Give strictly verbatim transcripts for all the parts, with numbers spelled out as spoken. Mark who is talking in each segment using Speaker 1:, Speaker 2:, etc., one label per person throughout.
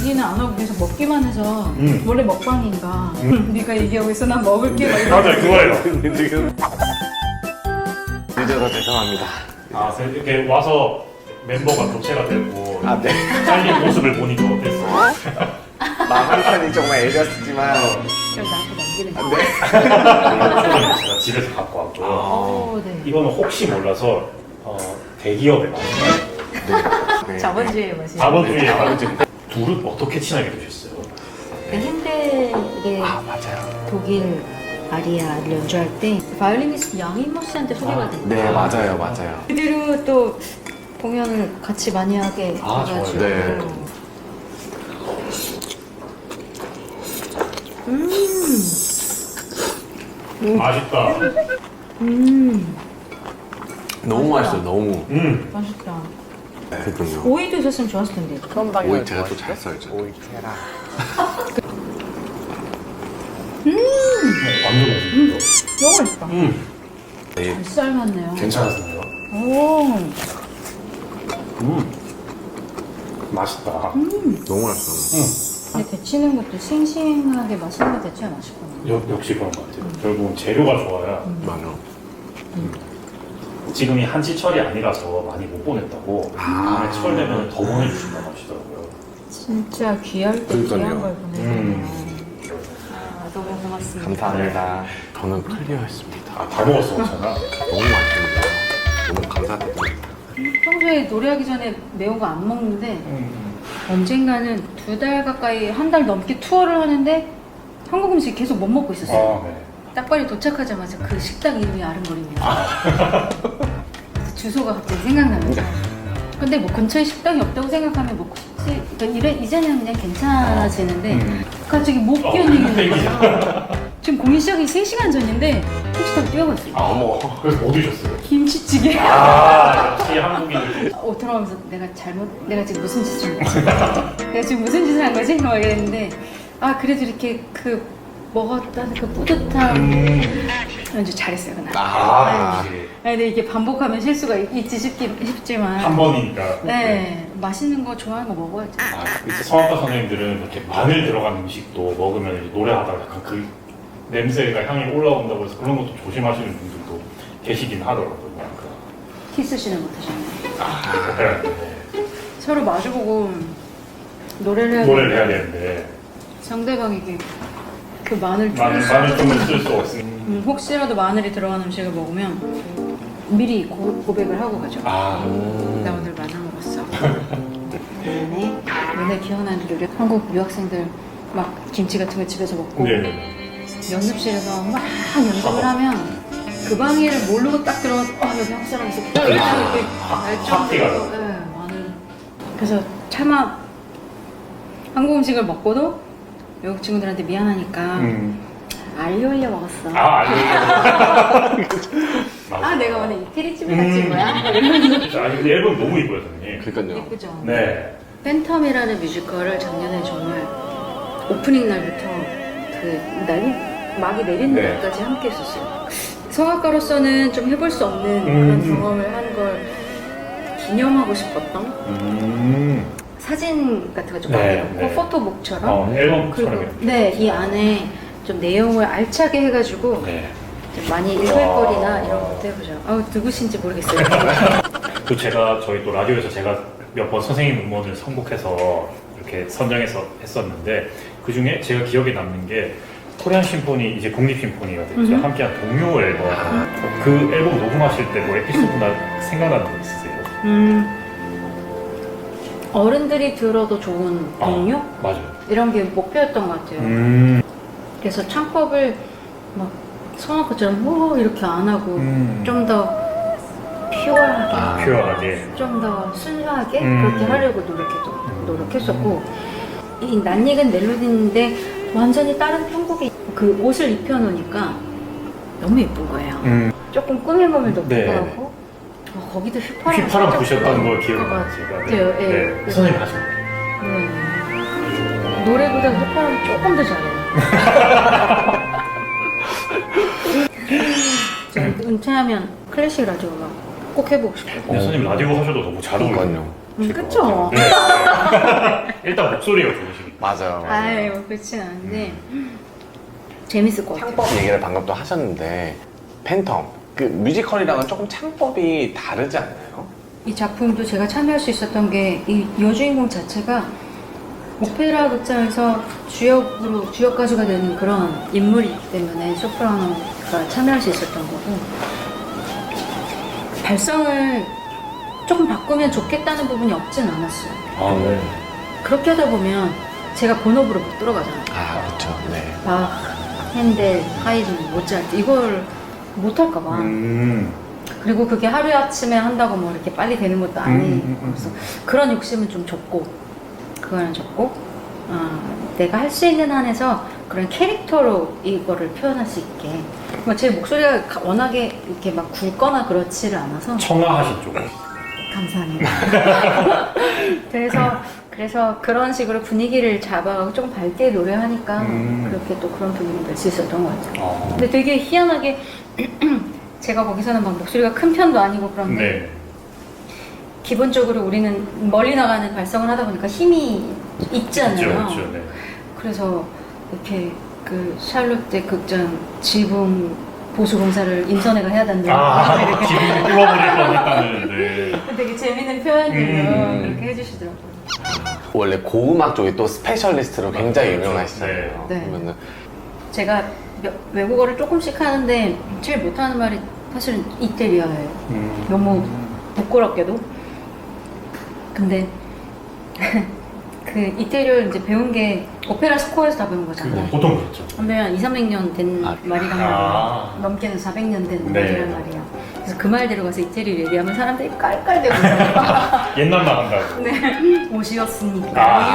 Speaker 1: 얘기는 안 하고 계속 먹기만 해서
Speaker 2: 음.
Speaker 1: 원래 먹방인가?
Speaker 2: 음.
Speaker 1: 네가 얘기하고 있어 난 먹을게 막 이러고.
Speaker 2: 맞아요, 그거예요.
Speaker 3: 지금 늦어서 죄송합니다.
Speaker 2: 아, 이렇게 와서 멤버가 교체가 되고
Speaker 3: 아, 네.
Speaker 2: 잘린 모습을 보니까 어땠어?
Speaker 3: 마음 한편이 정말 애렸지만
Speaker 1: 그럼 나한테 남기는 거.
Speaker 3: 네.
Speaker 2: 이거는 제가 집에서 갖고 왔고요.
Speaker 1: 오, 네.
Speaker 2: 이거는 혹시 몰라서 어, 대기업에 많이
Speaker 3: 네.
Speaker 1: 자본주의의 맛이.
Speaker 2: 자본주의에
Speaker 3: 자본주의.
Speaker 2: 둘은 어떻게 친하게 되셨어요?
Speaker 1: 그 핸델의
Speaker 3: 아, 맞아요.
Speaker 1: 독일 아리아를 연주할 때 바이올리니스트 양인모 씨한테 소개가 됐어요.
Speaker 3: 네, 맞아요, 맞아요.
Speaker 1: 그대로 또 공연을 같이 많이 하게
Speaker 2: 아,
Speaker 1: 돼가지고.
Speaker 3: 좋아요. 네.
Speaker 1: 음,
Speaker 2: 맛있다.
Speaker 1: 음,
Speaker 3: 너무 맛있어요, 너무.
Speaker 2: 음.
Speaker 1: 맛있다.
Speaker 3: 그렇군요.
Speaker 1: 오이도 있었으면 좋았을 텐데.
Speaker 3: 오이 제가 또 잘 썰죠. 오이 캐라.
Speaker 2: 완전 맛있어요.
Speaker 1: 너무 맛있다.
Speaker 2: 음.
Speaker 3: 네,
Speaker 1: 잘 삶았네요.
Speaker 2: 괜찮았어요.
Speaker 1: 오,
Speaker 2: 음. 맛있다.
Speaker 3: 너무 맛있어요.
Speaker 2: 음.
Speaker 1: 근데 데치는 것도 싱싱하게 맛있는 거 데쳐야 맛있구나.
Speaker 2: 역, 역시 그런 것 같아요. 결국은 재료가 좋아야.
Speaker 3: 맞아.
Speaker 2: 지금이 한시철이 아니라서 많이 못 보냈다고.
Speaker 3: 아.
Speaker 2: 다음에 철 되면 더 보내주신다고 하시더라고요.
Speaker 1: 진짜 귀할 때
Speaker 3: 그러니까요.
Speaker 1: 귀한 걸 보내주네요.
Speaker 2: 음.
Speaker 1: 아, 너무 고맙습니다.
Speaker 3: 감사합니다. 저는 클리어했습니다.
Speaker 2: 아, 다 먹었어, 괜찮아.
Speaker 3: 너무 맛있습니다. 너무 감사드립니다.
Speaker 1: 평소에 노래하기 전에 매운 거 안 먹는데
Speaker 2: 음.
Speaker 1: 언젠가는 두 달 가까이 한 달 넘게 투어를 하는데 한국 음식 계속 못 먹고 있었어요.
Speaker 2: 아, 네.
Speaker 1: 딱 빨리 도착하자마자 그 식당 이름이 아른거립니다. 주소가 갑자기 생각나면서. 근데 뭐 근처에 식당이 없다고 생각하면 먹고 싶지. 그러니까 이래, 이제는 그냥 괜찮아지는데
Speaker 2: 음.
Speaker 1: 갑자기 못
Speaker 2: 어,
Speaker 1: 견디는 거야. 지금 공연 시작이 세 시간 전인데 택시타고 뛰어갔어요.
Speaker 2: 아, 어머. 그래서 뭐 드셨어요?
Speaker 1: 김치찌개.
Speaker 2: 아, 역시 한국인들.
Speaker 1: 어, 들어가면서 내가 잘못, 내가 지금 무슨 짓을 한 거지? 내가 지금 무슨 짓을 한 거지? 막 이랬는데, 아, 그래도 이렇게 그 먹었다는 그 뿌듯함.
Speaker 2: 음.
Speaker 1: 연주 잘했어요, 그날.
Speaker 2: 아,
Speaker 1: 네.
Speaker 2: 역시.
Speaker 1: 아니, 근데 이게 반복하면 실수가 있- 있지 싶긴, 싶지만.
Speaker 2: 한 번이니까.
Speaker 1: 네, 맛있는 거 좋아하는 거 먹어야죠.
Speaker 2: 아, 이제 성악가 선생님들은 이렇게 마늘 들어간 음식도 먹으면 이제 노래하다가 약간 그 냄새가 향이 올라온다고 해서 그런 것도 조심하시는 분들도 계시긴 하더라고요.
Speaker 1: 키스씨는 못하셨나요?
Speaker 2: 아, 네.
Speaker 1: 서로 마주보고 노래를 해야
Speaker 2: 노래를 해야
Speaker 1: 되는데
Speaker 2: 되는데
Speaker 1: 상대방에게 그 마늘
Speaker 2: 마늘,
Speaker 1: 쪼개
Speaker 2: 마늘 좀을 쓸 수 없으니.
Speaker 1: 음, 혹시라도 마늘이 들어간 음식을 먹으면 미리 고, 고백을 하고 가죠.
Speaker 2: 아,
Speaker 1: 나 오늘 마늘 먹었어. 그다음에 맨날 기억나는 요리. 한국 유학생들 막 김치 같은 거 집에서 먹고
Speaker 2: 네네.
Speaker 1: 연습실에서 막 연습을 하면 그 방해를 모르고 딱 들어가서 어 여기 한국 사람 있어. 딱 이렇게 알
Speaker 2: 확 티가
Speaker 1: 정도로. 네, 마늘. 그래서 차마 한국 음식을 먹고도 외국 친구들한테 미안하니까
Speaker 2: 음.
Speaker 1: 알리 올려 먹었어.
Speaker 2: 아, 알겠습니다.
Speaker 1: 아, 내가 오늘 이태리집에 갔지 뭐야? 이러면서.
Speaker 2: 아니, 근데 앨범 너무 이뻐요, 선생님.
Speaker 3: 그러니까요.
Speaker 1: 예쁘죠?
Speaker 2: 네.
Speaker 1: 팬텀이라는 뮤지컬을 작년에 정말 오프닝 날부터 그 날, 막이 내리는
Speaker 2: 네.
Speaker 1: 날까지 함께 했었어요. 성악가로서는 좀 해볼 수 없는
Speaker 2: 음.
Speaker 1: 그런 경험을 한 걸 기념하고 싶었던
Speaker 2: 음.
Speaker 1: 사진 같은 거 좀
Speaker 2: 네,
Speaker 1: 많이 넣고
Speaker 2: 네.
Speaker 1: 포토북처럼
Speaker 2: 어, 앨범
Speaker 1: 그리고
Speaker 2: 촬영해.
Speaker 1: 네, 이 안에 좀 내용을 알차게 해가지고
Speaker 2: 네.
Speaker 1: 좀 많이 읽을
Speaker 2: 와.
Speaker 1: 거리나 이런 것도 해보죠. 아우, 누구신지 모르겠어요.
Speaker 2: 또 제가 저희 또 라디오에서 제가 몇 번 선생님 음원을 선곡해서 이렇게 선정해서 했었는데 그 중에 제가 기억에 남는 게 코리안 심포니 이제 국립 심포니가 됐죠.
Speaker 1: 음흠.
Speaker 2: 함께한 동료 앨범. 그 앨범 녹음하실 때 뭐 에피소드나 생각나는 거 있으세요?
Speaker 1: 음, 어른들이 들어도 좋은 동요?
Speaker 2: 아, 맞아요.
Speaker 1: 이런 게 목표였던 것 같아요.
Speaker 2: 음.
Speaker 1: 그래서 창법을 막 성악가처럼 호 이렇게 안 하고
Speaker 2: 음.
Speaker 1: 좀 더 퓨어하게,
Speaker 3: 아.
Speaker 2: 퓨어하게.
Speaker 1: 좀 더 순수하게
Speaker 2: 음.
Speaker 1: 그렇게 하려고 노력해도, 노력했었고 이 낯익은 멜로디인데 완전히 다른 편곡이 그 옷을 입혀놓으니까 너무 예쁜 거예요.
Speaker 2: 음.
Speaker 1: 조금 꾸밈감을 넣기도
Speaker 2: 네.
Speaker 1: 하고 어, 거기도 휘파람
Speaker 2: 휘파람
Speaker 1: 살짝
Speaker 2: 부셨던 걸
Speaker 1: 들어간
Speaker 2: 기억나요,
Speaker 1: 것
Speaker 2: 제가.
Speaker 1: 같아요. 예.
Speaker 2: 네. 선생님 하신 거.
Speaker 1: 네. 노래보다 휘파람이 조금 더 잘해요. 저 은퇴하면 클래식 라디오 음악 꼭 해보고 싶어요.
Speaker 2: 근데 선생님 라디오 하셔도 너무 잘 어울려요.
Speaker 3: 그러니까요.
Speaker 1: 음, 그쵸?
Speaker 2: 네. 일단 목소리가 좋으시니까.
Speaker 3: 맞아요.
Speaker 1: 아유, 그렇진 않은데 재밌을 것 같아요.
Speaker 3: 창법 얘기를 방금 또 하셨는데 팬텀 그 뮤지컬이랑은 조금 창법이 다르지 않나요?
Speaker 1: 이 작품도 제가 참여할 수 있었던 게 이 여주인공 자체가 오페라 극장에서 주역으로 주역 가수가 되는 그런 인물이기 때문에 소프라노가 참여할 수 있었던 거고, 발성을 조금 바꾸면 좋겠다는 부분이 없진 않았어요.
Speaker 2: 아, 네.
Speaker 1: 그렇게 하다 보면 제가 본업으로 못 들어가잖아요.
Speaker 3: 아 그렇죠. 네.
Speaker 1: 막 핸델, 하이든, 모차르트 이걸 못 할까봐.
Speaker 2: 음.
Speaker 1: 그리고 그게 하루아침에 한다고 뭐 이렇게 빨리 되는 것도 아니고,
Speaker 2: 음, 음, 음.
Speaker 1: 그래서 그런 욕심은 좀 적고, 그거는 적고, 어, 내가 할 수 있는 한에서 그런 캐릭터로 이거를 표현할 수 있게. 뭐 제 목소리가 가- 워낙에 이렇게 막 굵거나 그렇지를 않아서.
Speaker 2: 청아하신 쪽.
Speaker 1: 감사합니다. 그래서, 그래서 그런 식으로 분위기를 잡아가고 조금 밝게 노래하니까
Speaker 2: 음.
Speaker 1: 그렇게 또 그런 분위기를 낼 수 있었던 것 같아요.
Speaker 2: 어.
Speaker 1: 근데 되게 희한하게 제가 거기서는 막 목소리가 큰 편도 아니고 그런데
Speaker 2: 네.
Speaker 1: 기본적으로 우리는 멀리 나가는 발성을 하다 보니까 힘이 있잖아요.
Speaker 2: 그렇죠, 그렇죠. 네.
Speaker 1: 그래서 이렇게 그 샬롯대 극장 지붕 보수 공사를 임선회가 해야 된다.
Speaker 2: 아, 지금 뚫어버릴 뻔했다는. 네.
Speaker 1: 되게 재밌는 표현들을
Speaker 2: 음.
Speaker 1: 그렇게 해주시더라고요.
Speaker 3: 원래 고음악 쪽이 또 스페셜리스트로 굉장히 유명하시잖아요.
Speaker 1: 네.
Speaker 3: 그러면은
Speaker 1: 제가 몇- 외국어를 조금씩 하는데 제일 못하는 말이 사실은 이태리어예요.
Speaker 2: 음.
Speaker 1: 너무 부끄럽게도. 근데 그 이태리어를 이제 배운 게 오페라 스코어에서 다 배운
Speaker 2: 그거
Speaker 1: 거잖아요.
Speaker 2: 보통 그렇죠.
Speaker 1: 근데 한 이삼백 년 된
Speaker 3: 아,
Speaker 1: 말이란
Speaker 2: 아.
Speaker 1: 말이에요. 넘게는 사백 년 된
Speaker 2: 네.
Speaker 1: 말이란 말이에요. 그래서 그 말대로 가서 이태리를 얘기하면 사람들이 깔깔대고 있어요.
Speaker 2: 옛날만 한다고.
Speaker 1: 네, 옷이었으니까.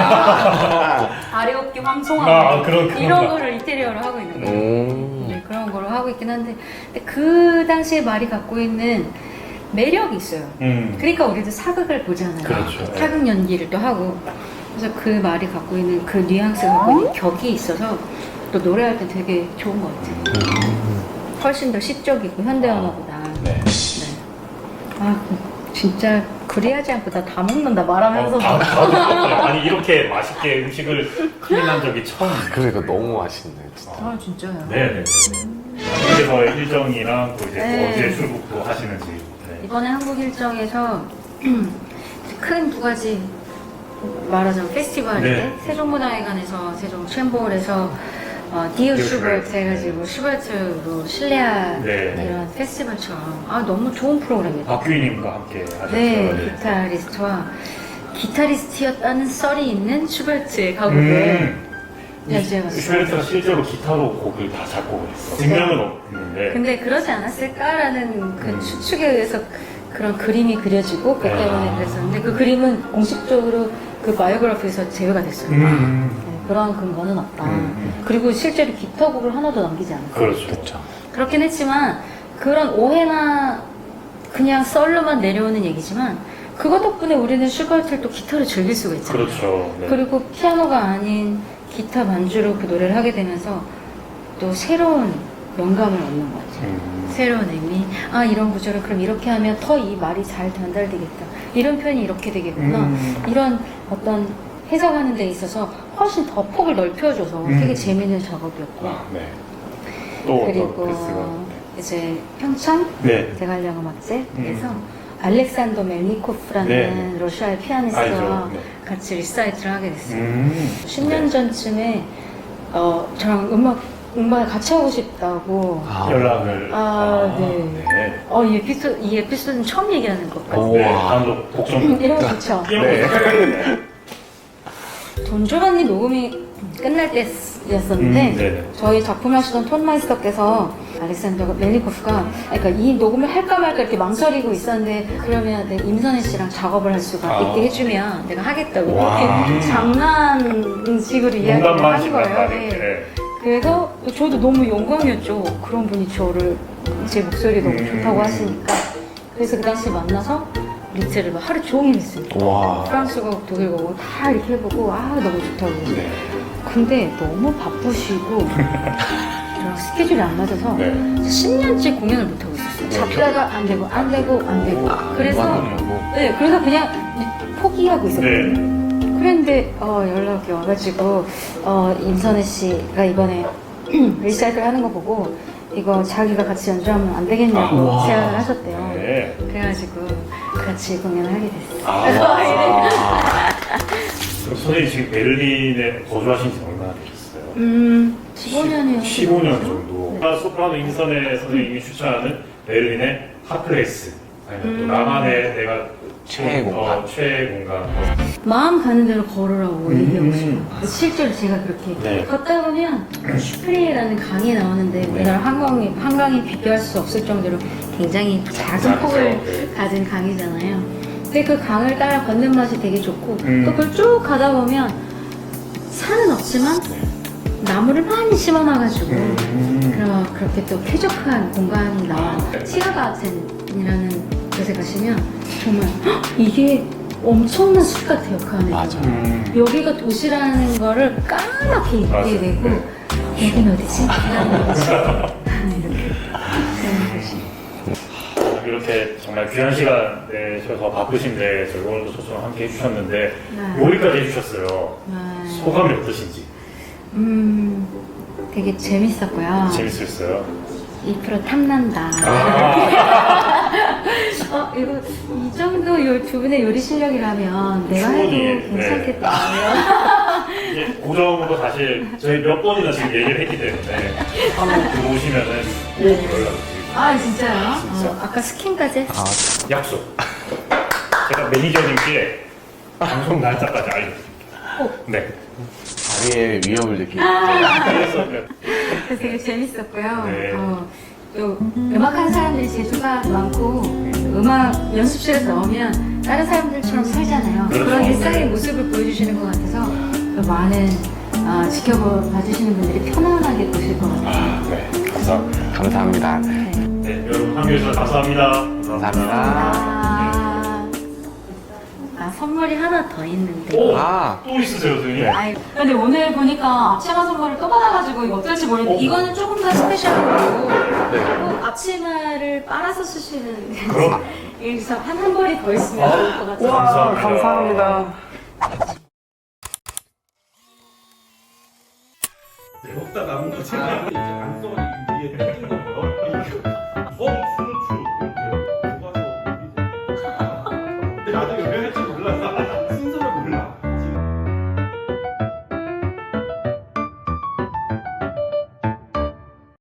Speaker 2: 아.
Speaker 1: 아래어깨 황송함.
Speaker 2: 아, 그런- 그런
Speaker 1: 이런
Speaker 2: 거.
Speaker 1: 거를 이태리어로 하고 있는 거예요.
Speaker 3: 음.
Speaker 1: 네, 그런 거로 하고 있긴 한데, 근데 그 당시에 말이 갖고 있는 매력이 있어요.
Speaker 2: 음.
Speaker 1: 그러니까 우리도 사극을 보잖아요.
Speaker 2: 그렇죠.
Speaker 1: 사극 연기를 또 하고. 그래서 그 말이 갖고 있는 그 뉘앙스가 갖고 있는 격이 있어서 또 노래할 때 되게 좋은 것 같아요. 훨씬 더 시적이고 현대음악보다.
Speaker 2: 네.
Speaker 1: 네. 아, 진짜 그리하지 않고 나 다 먹는다 말하면서.
Speaker 2: 어, 다, 다 드셨어요. 아니 이렇게 맛있게 음식을 클린한 적이 처음.
Speaker 3: 그러니까 너무 맛있네 진짜.
Speaker 1: 아, 진짜요?
Speaker 2: 네네. 그래서 일정이랑 또 이제
Speaker 1: 네.
Speaker 2: 어디에 출국도 하시는지. 네.
Speaker 1: 이번에 한국 일정에서 큰 두 가지 말하자면 페스티벌인데
Speaker 2: 네.
Speaker 1: 세종문화회관에서 세종 챔버홀에서 어, 디어
Speaker 2: 디어
Speaker 1: 슈버트
Speaker 2: 슈버트.
Speaker 1: 해가지고 슈버트로 실내화
Speaker 2: 네.
Speaker 1: 이런 페스티벌처럼 아 너무 좋은 프로그램이에요.
Speaker 2: 박규희님과 함께 하셨죠.
Speaker 1: 네, 기타리스트와 기타리스트였다는 썰이 있는 슈버트의 가곡을
Speaker 2: 음.
Speaker 1: 연주해봤어요.
Speaker 2: 슈베르트가 실제로 기타로 곡을 다 작곡을 했어. 증명은 없는데.
Speaker 1: 근데 그러지 않았을까라는 그
Speaker 2: 음.
Speaker 1: 추측에 의해서 그런 그림이 그려지고 그 때문에
Speaker 2: 아.
Speaker 1: 그랬었는데 그 그림은 공식적으로 그 바이오그래피에서 제외가 됐어요.
Speaker 2: 음.
Speaker 1: 네, 그런 근거는 없다.
Speaker 2: 음.
Speaker 1: 그리고 실제로 기타곡을 하나도 남기지 않았어요.
Speaker 2: 그렇죠.
Speaker 3: 그렇죠.
Speaker 1: 그렇긴 했지만 그런 오해나 그냥 썰로만 내려오는 얘기지만 그것 덕분에 우리는 슈버트를 또 기타로 즐길 수가 있잖아요.
Speaker 2: 그렇죠. 네.
Speaker 1: 그리고 피아노가 아닌 기타 반주로 그 노래를 하게 되면서 또 새로운 영감을 얻는 것 같아요.
Speaker 2: 음.
Speaker 1: 새로운 의미. 아, 이런 구절은 그럼 이렇게 하면 더 이 말이 잘 전달되겠다. 이런 표현이 이렇게 되겠구나.
Speaker 2: 음.
Speaker 1: 이런 어떤 해석하는 데 있어서 훨씬 더 폭을 넓혀줘서
Speaker 2: 음.
Speaker 1: 되게 재밌는 작업이었고.
Speaker 2: 아, 네. 또
Speaker 1: 그리고
Speaker 2: 어떤 패스가?
Speaker 1: 이제 평창
Speaker 2: 네.
Speaker 1: 대관령음악제에서 알렉산더 멜니코프라는
Speaker 2: 네.
Speaker 1: 러시아의 피아니스트와
Speaker 2: 알죠. 네.
Speaker 1: 같이 리사이트를 하게 됐어요.
Speaker 2: 음.
Speaker 1: 십 년 전쯤에 어, 저랑 음악 음악을 같이 하고 싶다고.
Speaker 3: 아.
Speaker 2: 연락을.
Speaker 1: 아, 네.
Speaker 2: 네.
Speaker 1: 어, 이 에피소드 이 에피소드는 처음 얘기하는 것 같아요.
Speaker 3: 오.
Speaker 2: 네.
Speaker 3: 우와.
Speaker 2: 다음도 곡좀
Speaker 1: 이런 거 좋죠.
Speaker 3: 네.
Speaker 1: 돈 조반니 녹음이 끝날 때였었는데
Speaker 2: 음, 네네.
Speaker 1: 저희 작품을 하시던 톤마이스터께서 알렉산더 멜니코프가 그러니까 이 녹음을 할까 말까 이렇게 망설이고 있었는데 그러면 내 임선혜 씨랑 작업을 할 수가
Speaker 2: 아.
Speaker 1: 있게 해주면 내가 하겠다고
Speaker 2: 와.
Speaker 1: 이렇게 장난식으로 이야기를
Speaker 2: 농담만
Speaker 1: 한 거예요.
Speaker 2: 심하다.
Speaker 1: 네.
Speaker 2: 네.
Speaker 1: 그래서 저도 너무 영광이었죠. 그런 분이 저를 제 목소리 너무
Speaker 2: 음.
Speaker 1: 좋다고 하시니까. 그래서 그 당시 만나서 리트를 막 하루 종일 했습니다.
Speaker 3: 와.
Speaker 1: 프랑스어, 독일어 다 이렇게 해보고 아 너무 좋다고.
Speaker 2: 네.
Speaker 1: 근데 너무 바쁘시고 저랑 스케줄이 안 맞아서
Speaker 2: 네.
Speaker 1: 십 년째 공연을 못 하고 있었어요. 잡다가 안 되고 안 되고 안 되고. 그래서
Speaker 3: 뭐.
Speaker 1: 네 그래서 그냥 폭 포기하고 있었거든요.
Speaker 2: 네.
Speaker 1: 그런데 어, 연락이 와가지고 어, 임선혜 씨가 이번에 리사이클 하는 거 보고 이거 자기가 같이 연주하면 안 되겠냐고
Speaker 3: 아,
Speaker 1: 제안을 하셨대요.
Speaker 2: 네.
Speaker 1: 그래가지고 같이 공연을 하게 됐어요.
Speaker 3: 아,
Speaker 2: 그럼 선생님 지금 베를린에 거주하신 지 얼마나 되셨어요?
Speaker 1: 음, 십오 년이요.
Speaker 2: 십오 년 정도. 소프라노 임선혜 선생님이 추천하는 베를린의 핫플레이스. 아니면 또
Speaker 1: 음.
Speaker 2: 나만의 내가
Speaker 3: 최애
Speaker 2: 어,
Speaker 3: 공간.
Speaker 2: 최애 공간.
Speaker 1: 마음 가는 대로 걸으라고
Speaker 2: 음.
Speaker 1: 얘기하고 싶어요. 실제로 제가 그렇게
Speaker 2: 네.
Speaker 1: 걷다 보면 슈프리라는 강이 나오는데
Speaker 2: 네.
Speaker 1: 우리나라 한강이, 한강이 비교할 수 없을 정도로 굉장히 작은
Speaker 2: 작죠.
Speaker 1: 폭을
Speaker 2: 네.
Speaker 1: 가진 강이잖아요. 근데 그 강을 따라 걷는 맛이 되게 좋고
Speaker 2: 음.
Speaker 1: 또 그걸 쭉 가다 보면 산은 없지만 나무를 많이 심어놔가지고
Speaker 2: 음.
Speaker 1: 그럼 그렇게 또 쾌적한 공간이 나와요. 티아가텐이라는 곳에 가시면 정말 헉, 이게 엄청난 숲 같아요, 그 안에.
Speaker 3: 맞아.
Speaker 2: 음.
Speaker 1: 여기가 도시라는 거를 까맣게
Speaker 2: 맞아요.
Speaker 1: 잊게 되고 여긴 어디지? 이라는 거지. 이렇게 그런 곳이.
Speaker 2: 이렇게 정말 귀한 시간 내셔서 바쁘신데 저희 오늘도 초청 함께 해주셨는데
Speaker 1: 네.
Speaker 2: 요리까지 해주셨어요.
Speaker 1: 네.
Speaker 2: 소감이 어떠신지?
Speaker 1: 음, 되게 재밌었고요.
Speaker 2: 재밌었어요.
Speaker 1: 이 프로 탐난다.
Speaker 2: 아,
Speaker 1: 어, 이거 이 정도 요, 두 분의 요리 실력이라면 내가 해도
Speaker 2: 충분히, 네.
Speaker 1: 괜찮겠다.
Speaker 2: 이게 고정으로 사실 저희 몇 번이나 지금 얘기를 했기 때문에 한번 들어오시면은 꼭 연락드리고
Speaker 1: 아, 진짜요?
Speaker 2: 진짜.
Speaker 1: 어, 아까 스킨까지 했어.
Speaker 3: 아,
Speaker 2: 약속. 제가 매니저님께 방송 날짜까지 알려드릴게요. 네.
Speaker 3: 다리에 위협을 느끼고.
Speaker 2: 그래서
Speaker 1: 그래서 되게 재밌었고요.
Speaker 2: 네.
Speaker 1: 어, 또 음악하는 사람들이 재주가 많고 음악 연습실에서 나오면 다른 사람들처럼 살잖아요.
Speaker 2: 그렇죠.
Speaker 1: 그런 일상의
Speaker 2: 네.
Speaker 1: 모습을 보여주시는 것 같아서 더 많은 어, 지켜봐 주시는 분들이 편안하게 보실 것 같아요.
Speaker 2: 아, 네. 감사합니다.
Speaker 3: 감사합니다.
Speaker 1: 네.
Speaker 2: 네, 여러분 함께해 주셔서 감사합니다.
Speaker 3: 감사합니다.
Speaker 1: 아, 아, 선물이 하나 더 있는데.
Speaker 2: 오!
Speaker 3: 아,
Speaker 2: 또 있으세요, 선생님?
Speaker 1: 아이, 근데 오늘 보니까 앞치마 선물을 또 받아가지고 이거 어떨지 모르겠는데
Speaker 2: 어.
Speaker 1: 이거는 조금 더 스페셜하고
Speaker 2: 네.
Speaker 1: 꼭 앞치마를 빨아서 쓰시는
Speaker 2: 그럼.
Speaker 1: 그래서 한 한 벌이 더 있으면 좋을 것 같아요.
Speaker 2: 감사합니다.
Speaker 3: 감사합니다.
Speaker 2: 네, 먹다 남은 거 제가